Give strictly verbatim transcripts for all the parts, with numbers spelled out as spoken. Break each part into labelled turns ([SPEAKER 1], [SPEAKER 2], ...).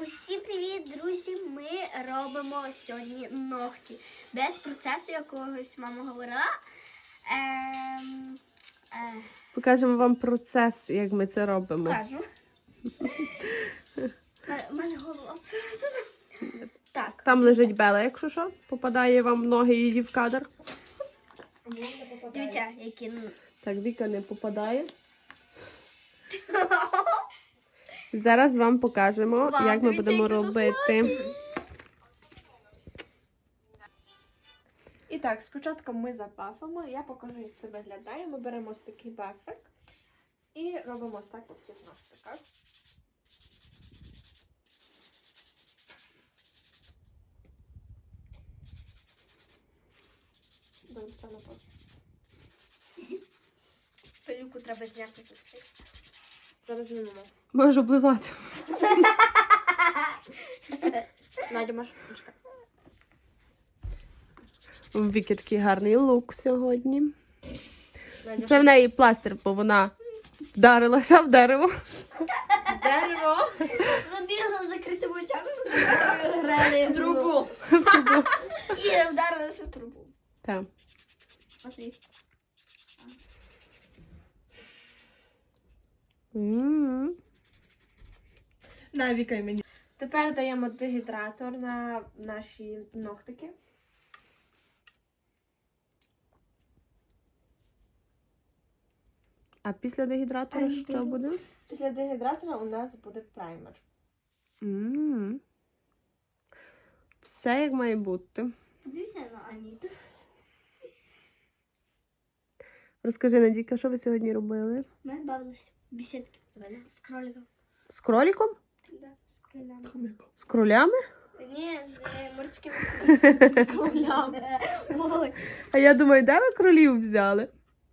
[SPEAKER 1] Усім привіт, друзі! Ми робимо сьогодні ногті. Без процесу якогось мама говорила. Ем, е,
[SPEAKER 2] Покажемо вам процес, як ми це робимо.
[SPEAKER 1] Кажу. У мене голова просто. Так.
[SPEAKER 2] Там лежить Бела, якщо що, попадає вам в ноги її в кадр.
[SPEAKER 1] Дивіться, які.
[SPEAKER 2] Так, Віка не попадає. Зараз вам покажемо,
[SPEAKER 1] Вау,
[SPEAKER 2] як ми
[SPEAKER 1] дивіться,
[SPEAKER 2] будемо
[SPEAKER 1] які
[SPEAKER 2] робити.
[SPEAKER 3] І так, спочатку ми запафимо, я покажу, як це виглядає. Ми беремо ось такий бафик і робимо ось так по всіх ногтиках. Добре, це на паузу.
[SPEAKER 1] Пилюку треба зняти.
[SPEAKER 3] Зараз знімемо.
[SPEAKER 2] Можеш облизати.
[SPEAKER 3] Надя, можеш почекати.
[SPEAKER 2] У Віки такий гарний лук сьогодні.
[SPEAKER 3] Надя,
[SPEAKER 2] Це в неї пластир, бо вона вдарилася в дерево.
[SPEAKER 3] дерево.
[SPEAKER 1] Ми бігали з закритими очами, грали
[SPEAKER 3] В трубу.
[SPEAKER 1] і вдарилися в трубу.
[SPEAKER 2] Так.
[SPEAKER 1] Смотри.
[SPEAKER 2] М.
[SPEAKER 4] Навікай мені.
[SPEAKER 3] Тепер даємо дегідратор на наші ногтики.
[SPEAKER 2] А після дегідратора що буде?
[SPEAKER 3] Після дегідратора у нас буде праймер.
[SPEAKER 2] М. Все як має бути.
[SPEAKER 1] Подивися на Аніту.
[SPEAKER 2] Розкажи, Надійка, що ви сьогодні робили?
[SPEAKER 1] Ми бавилися в бесідки з кроликом.
[SPEAKER 2] З кроліком?
[SPEAKER 1] Да, з кролями.
[SPEAKER 2] З кролями?
[SPEAKER 1] Ні, з е, морськими
[SPEAKER 3] З кролями.
[SPEAKER 1] Ой.
[SPEAKER 2] А я думаю, де ви кролів взяли?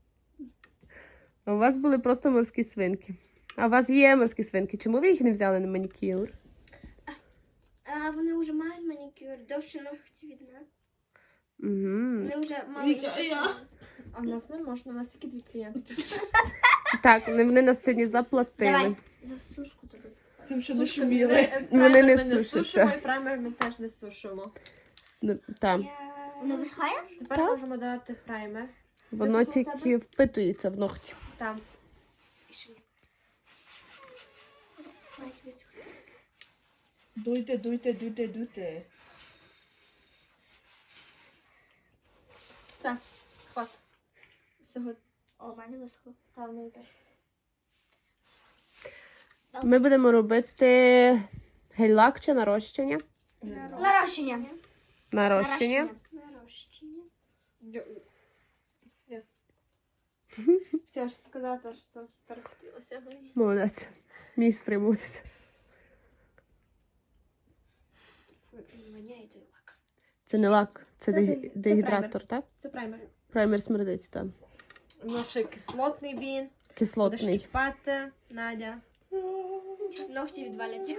[SPEAKER 2] А у вас були просто морські свинки. А у вас є морські свинки. Чому ви їх не взяли на манікюр?
[SPEAKER 1] А вони вже мають манікюр, довше ногті від нас.
[SPEAKER 2] Угу.
[SPEAKER 1] Вони вже мали
[SPEAKER 4] Віка, а я?
[SPEAKER 3] А в нас не можна, у нас тільки дві клієнтки.
[SPEAKER 2] Так, вони вони нас сьогодні заплатили.
[SPEAKER 1] Давай, за сушку тобі.
[SPEAKER 4] Тим, що не шуміли.
[SPEAKER 2] Вони не
[SPEAKER 3] Праймер ми
[SPEAKER 2] сушаться.
[SPEAKER 3] сушимо, і праймер ми теж не сушимо.
[SPEAKER 2] Ну, так,
[SPEAKER 1] Воно висхає?
[SPEAKER 3] Тепер можемо додати праймер.
[SPEAKER 2] воно
[SPEAKER 3] Висохло в
[SPEAKER 2] тільки
[SPEAKER 3] тебе?
[SPEAKER 2] впитується в ногті.
[SPEAKER 3] Там.
[SPEAKER 1] Мають висохнути.
[SPEAKER 4] Дуйте, дуйте, дуйте, дуйте.
[SPEAKER 3] Все, хват. Сьогодні.
[SPEAKER 1] О, в мене висохло.
[SPEAKER 3] Там не йде.
[SPEAKER 2] Ми будемо робити гель-лак чи нарощення?
[SPEAKER 1] Нарощення.
[SPEAKER 2] Нарощення.
[SPEAKER 1] Нарощення.
[SPEAKER 3] Yes. Хотіла ж сказати, що перехотілося мені.
[SPEAKER 2] Молодець. Мій стримуватися.
[SPEAKER 1] Фу, воняє той лак.
[SPEAKER 2] Це не лак, це,
[SPEAKER 3] Це
[SPEAKER 2] дег-
[SPEAKER 3] де- це
[SPEAKER 2] дегідратор, так?
[SPEAKER 3] Це праймер.
[SPEAKER 2] Праймер смердить, так.
[SPEAKER 3] Наш кислотний він. Будеш
[SPEAKER 2] Кислотний.
[SPEAKER 3] чіпати, Надя.
[SPEAKER 1] Ногті відваляться.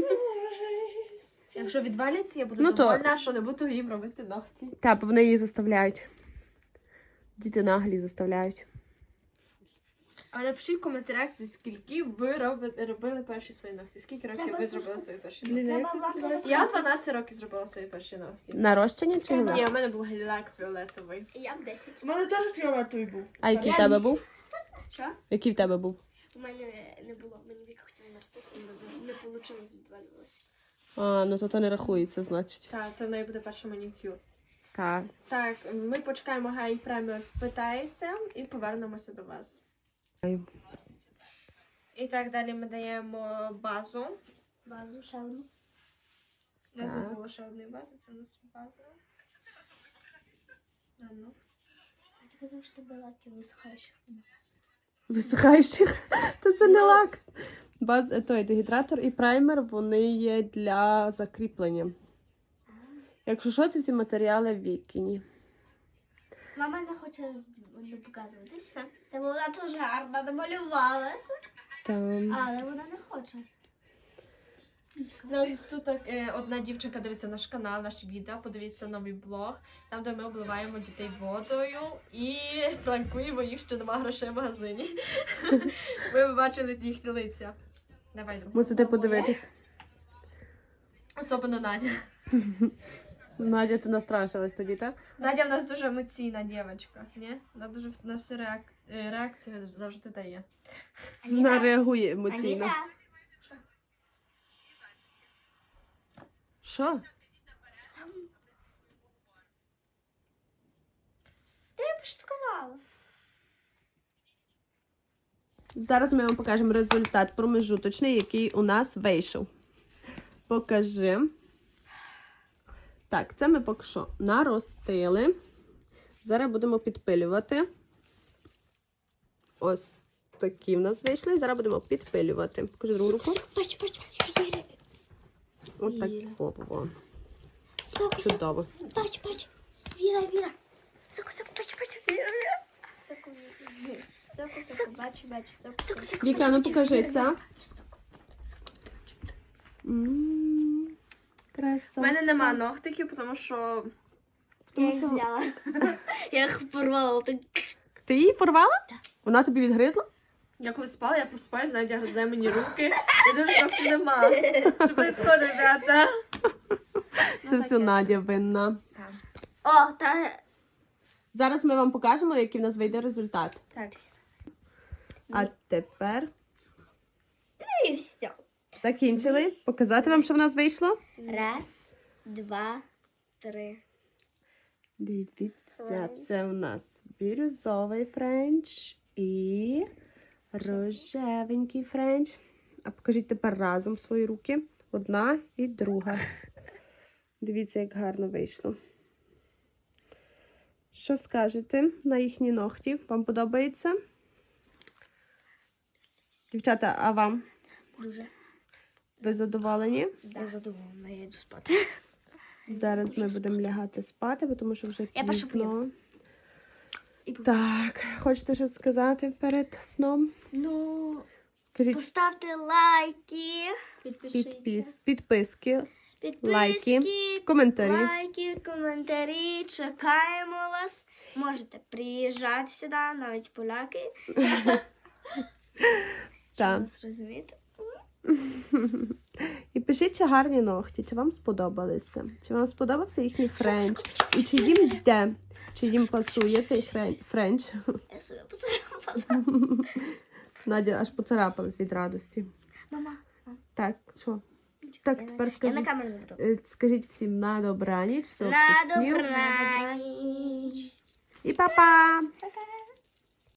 [SPEAKER 3] Якщо відваляться, я буду
[SPEAKER 2] Ну, то-
[SPEAKER 3] довольна, що не буду їм робити ногті.
[SPEAKER 2] Так, бо вони її заставляють. Діти наглі заставляють.
[SPEAKER 3] А напишіть в коментарях, за скільки ви робите, робили перші свої ногті. Скільки років
[SPEAKER 1] Треба
[SPEAKER 3] ви
[SPEAKER 1] сушку.
[SPEAKER 3] зробили свої перші
[SPEAKER 4] Блін,
[SPEAKER 3] ногті?
[SPEAKER 4] як
[SPEAKER 1] Треба
[SPEAKER 4] ти
[SPEAKER 1] лак
[SPEAKER 4] називаєш?
[SPEAKER 3] Я в дванадцять років зробила свої перші ногті.
[SPEAKER 2] Нарощення чи
[SPEAKER 1] Треба.
[SPEAKER 2] гель-лак?
[SPEAKER 3] Ні, у мене був гель-лак фіолетовий.
[SPEAKER 1] Я в десять.
[SPEAKER 4] У мене теж фіолетовий був.
[SPEAKER 2] А який в
[SPEAKER 1] Я
[SPEAKER 2] тебе
[SPEAKER 1] вісім.
[SPEAKER 2] був?
[SPEAKER 1] Що?
[SPEAKER 2] Який в тебе був?
[SPEAKER 1] У мене не було. Мені Віка хотіла наростити, але не вийшло, відвалювалося.
[SPEAKER 2] А, ну то то не рахується, значить.
[SPEAKER 3] Так, це в неї буде перший манікюр.
[SPEAKER 2] Так.
[SPEAKER 3] Так, ми почекаємо, хай праймер питається і повернемося до вас. І так, далі ми даємо базу.
[SPEAKER 1] Базу ще одну.
[SPEAKER 3] У нас не
[SPEAKER 2] Так.
[SPEAKER 3] було ще одної бази, це у нас база. А, ну.
[SPEAKER 1] А ти казав, що тебе лаки висихаєш.
[SPEAKER 2] Висихаючих? Та це не лак. Баз, е, той дегідратор і праймер, вони є для закріплення. Якщо що, це всі матеріали в Вікіні.
[SPEAKER 1] Мама не хоче не показуватися. Та вона дуже гарно намалювалася,
[SPEAKER 2] Там.
[SPEAKER 1] але вона не хоче.
[SPEAKER 3] У нас тут так, е, одна дівчинка дивиться наш канал, наші відео, подивіться новий блог, там, де ми обливаємо дітей водою і пранкуємо їх, що нема грошей в магазині. Ви бачили їхні лиця. Давай другу.
[SPEAKER 2] Мусите подивитись.
[SPEAKER 3] Особливо Надя.
[SPEAKER 2] Надя, ти настрашилась тоді, так?
[SPEAKER 3] Надя в нас дуже емоційна дівчинка, ні? Вона дуже на всі реак... е, реакції завжди дає.
[SPEAKER 2] Вона реагує емоційно.
[SPEAKER 1] Аніта.
[SPEAKER 2] Що?
[SPEAKER 1] Та я пошуткувала.
[SPEAKER 2] Зараз ми вам покажемо результат промежуточний, який у нас вийшов. Покажи. Так, це ми поки що наростили. Зараз будемо підпилювати. Ось такі в нас вийшли. Зараз будемо підпилювати. Покажи другу руку.
[SPEAKER 1] Бач, бач, Віра.
[SPEAKER 2] Ось так. О, о, о.
[SPEAKER 1] Соку, соку.
[SPEAKER 2] Чудово.
[SPEAKER 1] Бач, бач. Віра, Віра. Соку, соку, бач, бач. Віра, Віра. Соку, соку, соку, бач, бач. Соку, соку, соку.
[SPEAKER 2] Віка, ну покажися. М, Краса.
[SPEAKER 3] У мене нема ногтиків, тому що
[SPEAKER 1] Я їх зняла. Я їх порвала. Так.
[SPEAKER 2] Ти її порвала? Так. Вона тобі відгризла?
[SPEAKER 3] я коли спала, я просипаюсь, Надя гризе мені руки. Я дуже ногті нема. Що відбувається, ребята?
[SPEAKER 2] Це все Надя винна.
[SPEAKER 1] О, та...
[SPEAKER 2] Зараз ми вам покажемо, який в нас вийде результат.
[SPEAKER 3] Так.
[SPEAKER 2] А тепер
[SPEAKER 1] І все.
[SPEAKER 2] закінчили. Показати вам, що в нас вийшло?
[SPEAKER 1] Раз, два, три.
[SPEAKER 2] Дивіться, це у нас бірюзовий френч і рожевенький френч. А покажіть тепер разом свої руки. Одна і друга. Дивіться, як гарно вийшло. Що скажете на їхні ногті? Вам подобається? Дівчата, а вам?
[SPEAKER 1] Дуже.
[SPEAKER 2] Ви задоволені?
[SPEAKER 1] Я задоволена, я йду спати.
[SPEAKER 2] Зараз ми будемо лягати спати, бо тому що вже
[SPEAKER 1] Я першу
[SPEAKER 2] пізно. Так, хочете щось сказати перед сном?
[SPEAKER 1] Ну,
[SPEAKER 2] Кажіть,
[SPEAKER 1] поставте лайки. Підпишіться.
[SPEAKER 2] підпис, підписки,
[SPEAKER 1] Підписки,
[SPEAKER 2] лайки, коментарі.
[SPEAKER 1] лайки, коментарі. Чекаємо вас. Можете приїжджати сюди, навіть поляки.
[SPEAKER 2] Так.
[SPEAKER 1] Нас розумієте?
[SPEAKER 2] І пишіть, чи гарні ногті, чи вам сподобалися, чи вам сподобався їхній френч, і чи їм йде, чи їм пасує цей хрен- френч.
[SPEAKER 1] Я себе поцарапала.
[SPEAKER 2] Надя аж поцарапалась від радості.
[SPEAKER 1] Мама.
[SPEAKER 2] Так, що? Так,
[SPEAKER 1] я
[SPEAKER 2] тепер
[SPEAKER 1] на- Я на
[SPEAKER 2] скажіть,
[SPEAKER 1] камеру не буду.
[SPEAKER 2] е, скажіть всім на добраніч,
[SPEAKER 1] На
[SPEAKER 2] солодких снів
[SPEAKER 1] добраніч.
[SPEAKER 2] і па-па!
[SPEAKER 1] Пока.